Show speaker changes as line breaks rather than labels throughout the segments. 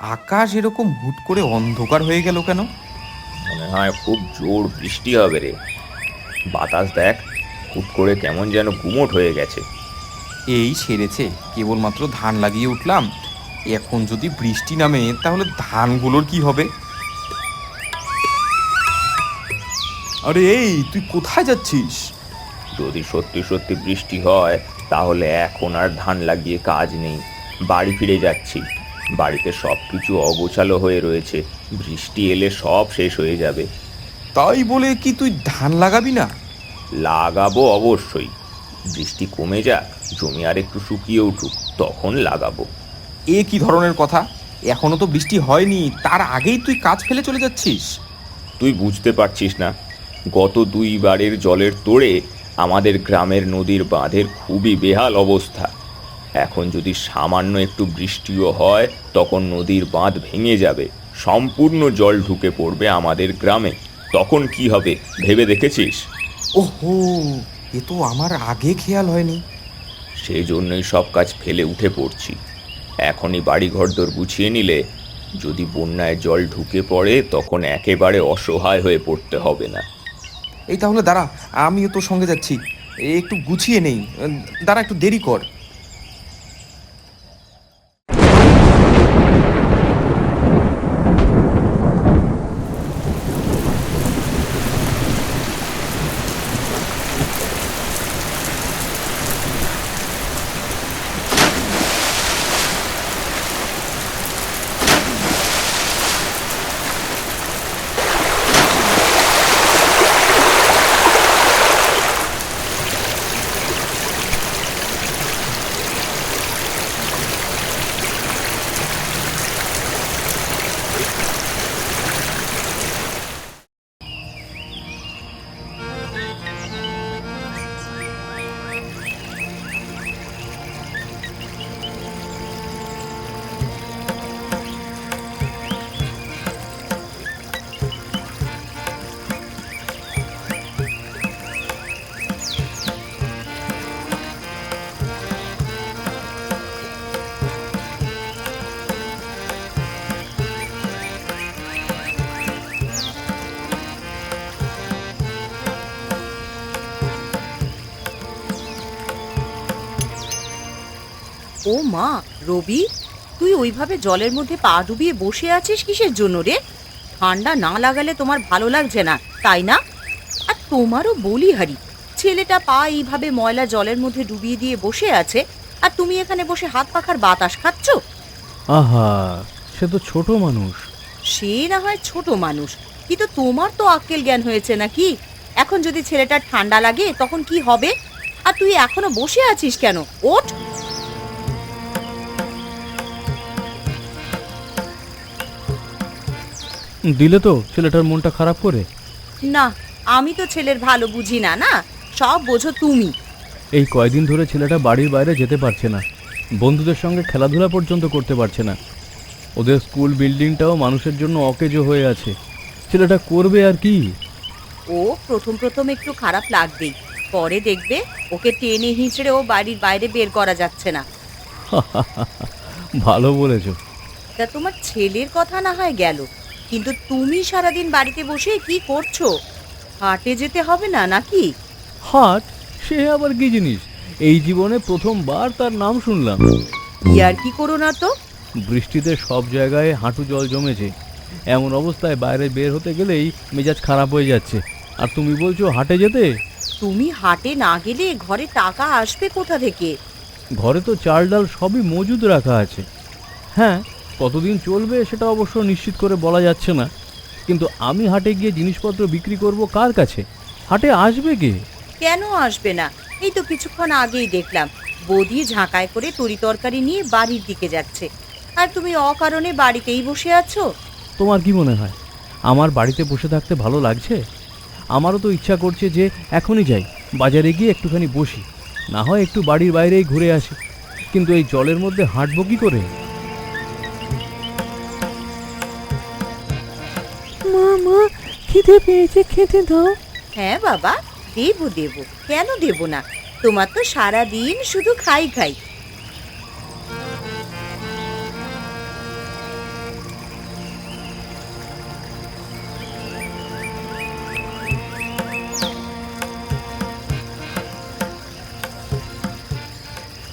আকাশ এরকম হুট করে অন্ধকার হয়ে গেল কেন?
মনে হয় খুব জোর বৃষ্টি হবে রে। বাতাস দেখ, হুট করে কেমন যেন গুমোট হয়ে গেছে।
এই সেরেছে, কেবলমাত্র ধান লাগিয়ে উঠলাম। এখন যদি বৃষ্টি নামে তাহলে ধানগুলোর কি হবে? আরে এই, তুই কোথায় যাচ্ছিস?
যদি সত্যি সত্যি বৃষ্টি হয় তাহলে এখন আর ধান লাগিয়ে কাজ নেই। বাড়ি ফিরে যাচ্ছি। বাড়িতে সব কিছু অগোছালো হয়ে রয়েছে। বৃষ্টি এলে সব শেষ হয়ে যাবে।
তাই বলে কি তুই ধান লাগাবি না?
লাগাবো অবশ্যই। বৃষ্টি কমে যাক, জমি আর একটু শুকিয়ে উঠুক, তখন লাগাবো।
এ কি ধরনের কথা? এখনো তো বৃষ্টি হয়নি, তার আগেই তুই কাজ ফেলে চলে যাচ্ছিস।
তুই বুঝতে পারছিস না? গত 2 বারের জলের তোড়ে আমাদের গ্রামের নদীর বাঁধের খুবই বেহাল অবস্থা। এখন যদি সামান্য একটু বৃষ্টিও হয় তখন নদীর বাঁধ ভেঙে যাবে, সম্পূর্ণ জল ঢুকে পড়বে আমাদের গ্রামে। তখন কি হবে ভেবে দেখেছিস?
ওহো, এ তো আমার আগে খেয়াল হয়নি।
সেই জন্যই সব কাজ ফেলে উঠে পড়ছি। এখনই বাড়ি ঘরদোর গুছিয়ে নিলে যদি বন্যায় জল ঢুকে পড়ে তখন একেবারে অসহায় হয়ে পড়তে হবে না।
এই তাহলে দাঁড়া, আমিও তোর সঙ্গে যাচ্ছি। একটু গুছিয়ে নেই, দাঁড়া একটু দেরি কর।
ও মা, রবি, তুই ওইভাবে জলের মধ্যে পা ডুবিয়ে বসে আছিস কিসের জন্য রে? ঠান্ডা না লাগালে তোমার ভালো লাগছে না, তাই না? আর তোমারও বলিহারি, ছেলেটা পা এইভাবে ময়লা জলের মধ্যে ডুবিয়ে দিয়ে বসে আছে, আর তুমি এখানে বসে হাত পাখার বাতাস খাচ্ছ।
আহা, সে তো ছোট মানুষ।
সে না হয় ছোট মানুষ, কিন্তু তোমার তো আক্কেল জ্ঞান হয়েছে নাকি? এখন যদি ছেলেটার ঠান্ডা লাগে তখন কি হবে? আর তুই এখনো বসে আছিস কেন? ওঠ।
দিলে তো ছেলেটার মনটা খারাপ করে।
না, আমি তো ছেলের ভালো বুঝি না, না সব বোঝো তুমি।
এই কয়দিন ধরে ছেলেটা বাড়ির বাইরে যেতে পারছে না, বন্ধুদের সঙ্গে খেলাধুলা পর্যন্ত করতে পারছে না। ওদের স্কুল বিল্ডিংটাও মানুষের জন্য অকেজো হয়ে আছে। ছেলেটা করবে আর কি?
ও প্রথম প্রথম একটু খারাপ লাগবেই, পরে দেখবে ওকে টেনে হিঁচড়ে ও বাড়ির বাইরে বের করা যাচ্ছে না।
ভালো বলেছ।
তা তোমার ছেলের কথা না হয় গেল, কিন্তু তুমি সারাদিন বাড়িতে বসে কি করছো? হাটে যেতে হবে না নাকি?
হাট? সে আবার কি জিনিস? এই জীবনে প্রথমবার তার নাম শুনলাম।
ইয়ার কি করো না তো।
বৃষ্টিতে সব জায়গায় হাঁটু জল জমেছে, এমন অবস্থায় বাইরে বের হতে গেলেই মেজাজ খারাপ হয়ে যাচ্ছে। আর তুমি বলছো হাটে যেতে?
তুমি হাটে না গেলে ঘরে টাকা আসবে কোথা থেকে?
ঘরে তো চাল ডাল সবই মজুদ রাখা আছে। হ্যাঁ, কতদিন চলবে সেটা অবশ্য নিশ্চিত করে বলা যাচ্ছে না, কিন্তু আমি হাটে গিয়ে জিনিসপত্র বিক্রি করব কার কাছে? হাটে আসবে কে?
কেন আসবে না? এই তো কিছুক্ষণ আগেই দেখলাম বৌদি ঝাঁকায় করে তরি তরকারি নিয়ে বাড়ির দিকে যাচ্ছে, আর তুমি অকারণে বাড়িতেই বসে আছো।
তোমার কি মনে হয় আমার বাড়িতে বসে থাকতে ভালো লাগছে? আমারও তো ইচ্ছা করছে যে এখনই যাই, বাজারে গিয়ে একটুখানি বসি, না হয় একটু বাড়ির বাইরেই ঘুরে আসি, কিন্তু এই জলের মধ্যে হাঁটবো কি করে?
মা মা, খিদে পেয়েছে, খেতে দাও।
হ্যাঁ বাবা, দেবো দেবো, কেন দেব না? তোমার তো সারা দিন শুধু খাই খাই।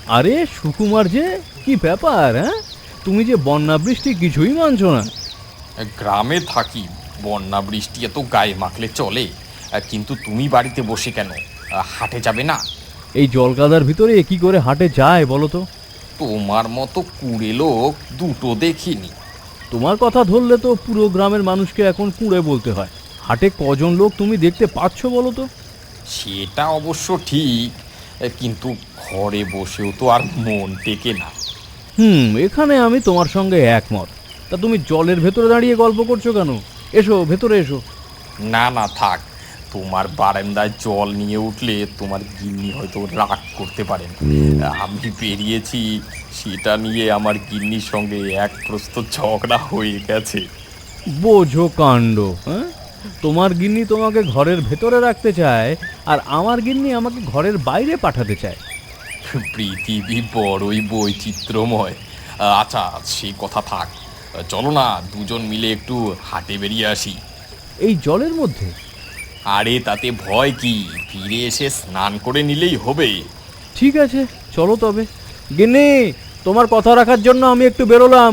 আরে সুকুমার যে, কি ব্যাপার? হ্যাঁ, তুমি যে বন্যা বৃষ্টি কিছুই মানছো না।
গ্রামে থাকি, বন্যা বৃষ্টি এত গায়ে মাখলে চলে, কিন্তু তুমি বাড়িতে বসে কেন? হাটে যাবে না?
এই জলকাদার ভিতরে কি করে হাটে যায় বলো তো?
তোমার মতো কুড়ে লোক দুটো দেখিনি।
তোমার কথা ধরলে তো পুরো গ্রামের মানুষকে এখন কুঁড়ে বলতে হয়। হাটে কজন লোক তুমি দেখতে পাচ্ছ বলো তো?
সেটা অবশ্য ঠিক, কিন্তু ঘরে বসেও তো আর মন টেকে না।
এখানে আমি তোমার সঙ্গে একমত। তা তুমি জলের ভেতরে দাঁড়িয়ে গল্প করছো কেন? এসো ভেতরে এসো।
না না থাক, তোমার বারান্দায় জল নিয়ে উঠলে তোমার গিন্নি হয়তো রাগ করতে পারেন। আমি বেরিয়েছি, সেটা নিয়ে আমার গিন্নির সঙ্গে এক প্রস্ত ঝগড়া হয়ে গেছে।
বোঝো কাণ্ড। হ্যাঁ, তোমার গিন্নি তোমাকে ঘরের ভেতরে রাখতে চায়, আর আমার গিন্নি আমাকে ঘরের বাইরে পাঠাতে চায়।
পৃথিবী বড়ই বৈচিত্র্যময়। আচ্ছা, সে কথা থাক, চলো না দুজন মিলে একটু হাটে বেরিয়ে আসি।
এই জলের মধ্যে?
আরে তাতে ভয় কি, ফিরে এসে স্নান করে নিলেই হবে।
ঠিক আছে, চলো তবে। গিন্নি, তোমার কথা রাখার জন্য আমি একটু বেরোলাম।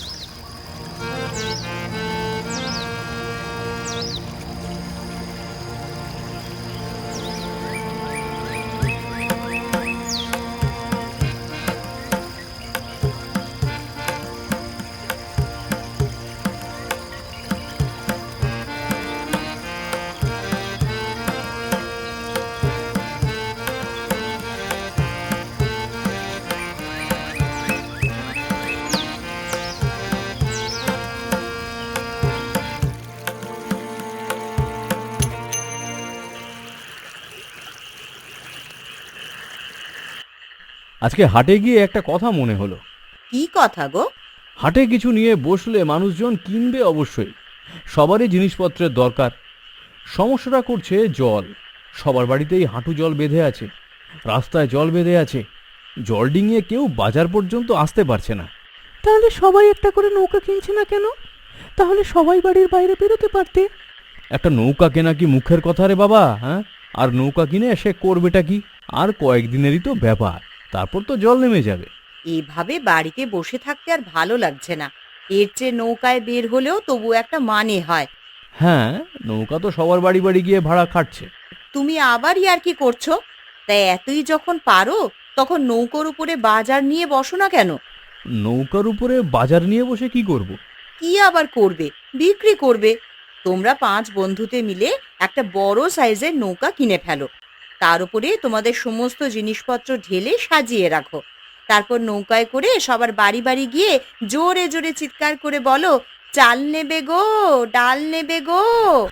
আজকে হাটে গিয়ে একটা কথা মনে হলো।
কি কথা গো?
হাটে কিছু নিয়ে বসলে মানুষজন কিনবে অবশ্যই, সবারই জিনিসপত্রের দরকার। সমস্যাটা করছে জল। সবার বাড়িতেই হাঁটু জল বেঁধে আছে, রাস্তায় জল বেঁধে আছে, জল ডিঙিয়ে কেউ বাজার পর্যন্ত আসতে পারছে না।
তাহলে সবাই একটা করে নৌকা কিনছে না কেন? তাহলে সবাই বাড়ির বাইরে বেরোতে পারতে।
একটা নৌকা কেনা কি মুখের কথা রে বাবা? হ্যাঁ, আর নৌকা কিনে সে করবেটা কি? আর কয়েকদিনেরই তো ব্যাপার, তারপর তো জল নেমে যাবে।
এভাবে বাড়িতে বসে থাকতে আর ভালো লাগছে না। এর চেয়ে নৌকায় বের হলেও তবু একটা মানে হয়।
হ্যাঁ, নৌকা তো সবার বাড়ি বাড়ি গিয়ে ভাড়া খাটছে।
তুমি আবার ইয়ার্কি করছো? তাই এতই যখন পারো, তখন নৌকোর উপরে বাজার নিয়ে বসো না কেন?
নৌকার উপরে বাজার নিয়ে বসে কি করব?
কি আবার করবে? বিক্রি করবে। তোমরা 5 বন্ধুতে মিলে একটা বড় সাইজের নৌকা কিনে ফেলো। তার উপরে তোমাদের সমস্ত জিনিসপত্র ঢেলে সাজিয়ে রাখো। তারপর নৌকায় করে সবার বাড়ি বাড়ি গিয়ে জোরে জোরে চিৎকার করে বলো, চাল নেবে গো, ডাল নেবে গো।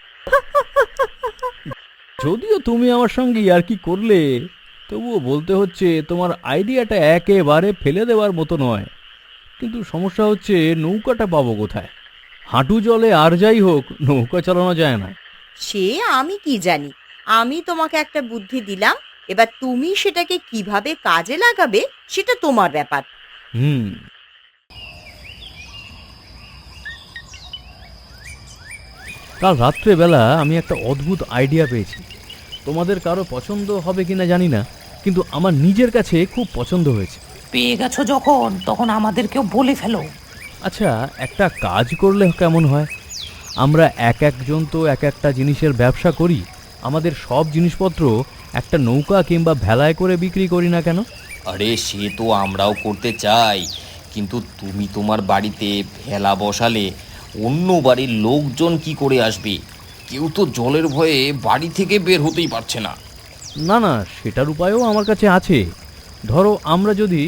যদিও তুমি আমার সঙ্গে ইয়ার্কি করলে, তবুও বলতে হচ্ছে তোমার আইডিয়াটা একেবারে ফেলে দেওয়ার মতো নয়। কিন্তু সমস্যা হচ্ছে নৌকাটা পাবো কোথায়? হাঁটু জলে আর যাই হোক, নৌকা চালানো যায় না।
সে আমি কি জানি। আমি তোমাকে একটা বুদ্ধি দিলাম, এবার তুমি সেটাকে কিভাবে কাজে লাগাবে সেটা তোমার ব্যাপার।
হুম কাল রাত্রেবেলা আমি একটা অদ্ভুত আইডিয়া পেয়েছি। তোমাদের কারো পছন্দ হবে কিনা জানি না, কিন্তু আমার নিজের কাছে খুব পছন্দ হয়েছে।
পেয়ে গেছো যখন, তখন আমাদেরকেও বলে ফেলো।
আচ্ছা, একটা কাজ করলে কেমন হয়? আমরা এক একজন তো এক একটা জিনিসের ব্যবসা করি, আমাদের সব জিনিসপত্র একটা নৌকা কিংবা ভেলায় করে বিক্রি করি না কেন?
আরে সে তো আমরাও করতে চাই, কিন্তু তুমি তোমার বাড়িতে ভেলা বসালে অন্য বাড়ির লোকজন কি করে আসবে? কেউ তো জলের ভয়ে বাড়ি থেকে বের হতেই পারছে না।
না না, সেটার উপায়ও আমার কাছে আছে। ধরো আমরা যদি...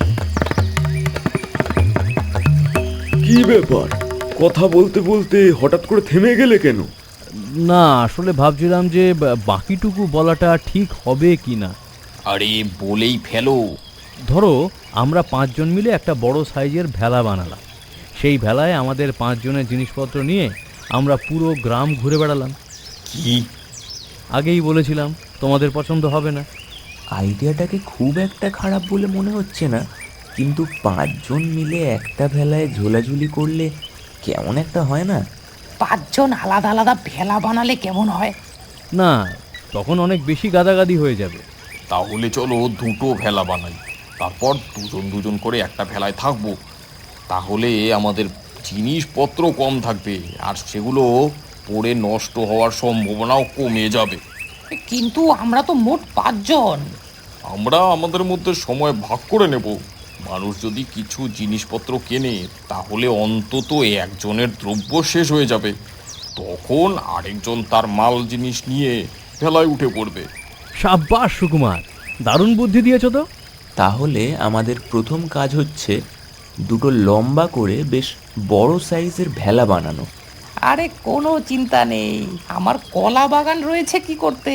কি ব্যাপার, কথা বলতে বলতে হঠাৎ করে থেমে গেলে কেন?
না, আসলে ভাবছিলাম যে বাকিটুকু বলাটা ঠিক হবে কি না।
আরে বলেই ফেলো।
ধরো আমরা 5 জন মিলে একটা বড় সাইজের ভেলা বানালাম। সেই ভেলায় আমাদের 5 জনের জিনিসপত্র নিয়ে আমরা পুরো গ্রাম ঘুরে বেড়ালাম।
কি?
আগেই বলেছিলাম তোমাদের পছন্দ হবে না।
আইডিয়াটাকে খুব একটা খারাপ বলে মনে হচ্ছে না, কিন্তু 5 জন মিলে একটা ভেলায় ঝোলাঝুলি করলে কেমন একটা হয় না?
5 জন আলাদা আলাদা ভেলা বানালে কেমন হয়?
না, তখন অনেক বেশি গাদাগাদি হয়ে যাবে।
তাহলে চলো দুটো ভেলা বানাই। তারপর দুজন দুজন করে একটা ভেলায় থাকবো। তাহলে আমাদের জিনিসপত্র কম থাকবে আর সেগুলো পড়ে নষ্ট হওয়ার সম্ভাবনাও কমে যাবে।
কিন্তু আমরা তো মোট 5 জন।
আমরা আমাদের মধ্যে সময় ভাগ করে নেব। মানুষ যদি কিছু জিনিসপত্র কেনে তাহলে অন্তত একজনের দ্রব্য শেষ হয়ে যাবে, তখন আরেকজন তার মাল জিনিস নিয়ে ভেলায় উঠে পড়বে।
সাব্বাস সুকুমার, দারুণ বুদ্ধি দিয়েছো তো।
তাহলে আমাদের প্রথম কাজ হচ্ছে দুটো লম্বা করে বেশ বড় সাইজের ভেলা বানানো।
আরে কোনো চিন্তা নেই, আমার কলা বাগান রয়েছে কি করতে।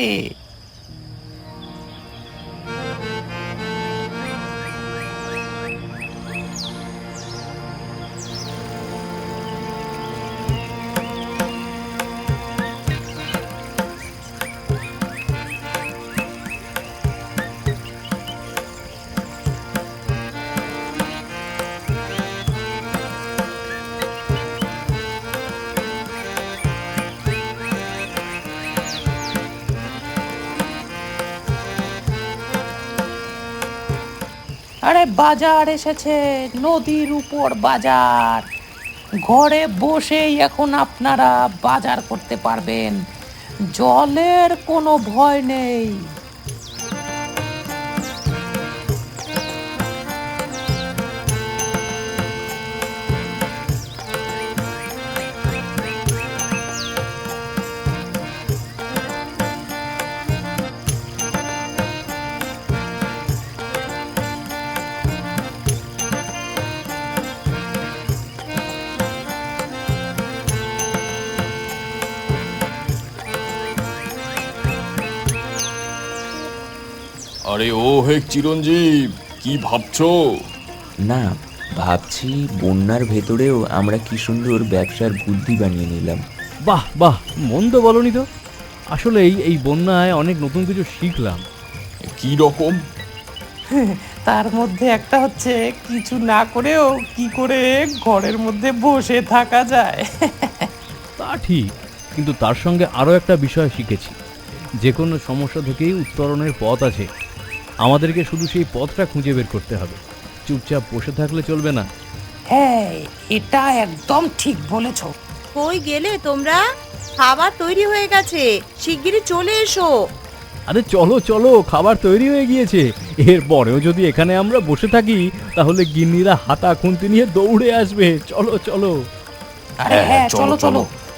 আরে বাজার এসেছে, নদীর উপর বাজার। ঘরে বসেই এখন আপনারা বাজার করতে পারবেন, জলের কোনো ভয় নেই।
আরে ও হে চিরঞ্জীব, কি ভাবছো?
না, ভাবছি বন্যার ভেতরেও আমরা কি সুন্দর ব্যবসার বুদ্ধি বানিয়ে নিলাম।
বাহ বাহ, মন্দ বলনি তো। আসলে এই বন্যায় অনেক নতুন কিছু শিখলাম।
কি রকম?
তার মধ্যে একটা হচ্ছে কিছু না করেও কি করে ঘরের মধ্যে বসে থাকা যায়।
তা ঠিক, কিন্তু তার সঙ্গে আরও একটা বিষয় শিখেছি, যে কোনো সমস্যা থেকেই উত্তরণের পথ আছে। আমাদেরকে শুধু সেই পথটা খুঁজে বের করতে হবে, চুপচাপ বসে থাকলে চলবে না।
হ্যাঁ, এটা একদম ঠিক বলেছো।
কই গেলে তোমরা? খাবার তৈরি হয়ে গেছে, শিগগিরই চলে এসো।
আরে চলো চলো, খাবার তৈরি হয়ে গিয়েছে। এরপরেও যদি এখানে আমরা বসে থাকি তাহলে গিন্নিরা হাতা খুন্তি নিয়ে দৌড়ে আসবে। চলো চলো।
আরে হ্যাঁ, চলো চলো।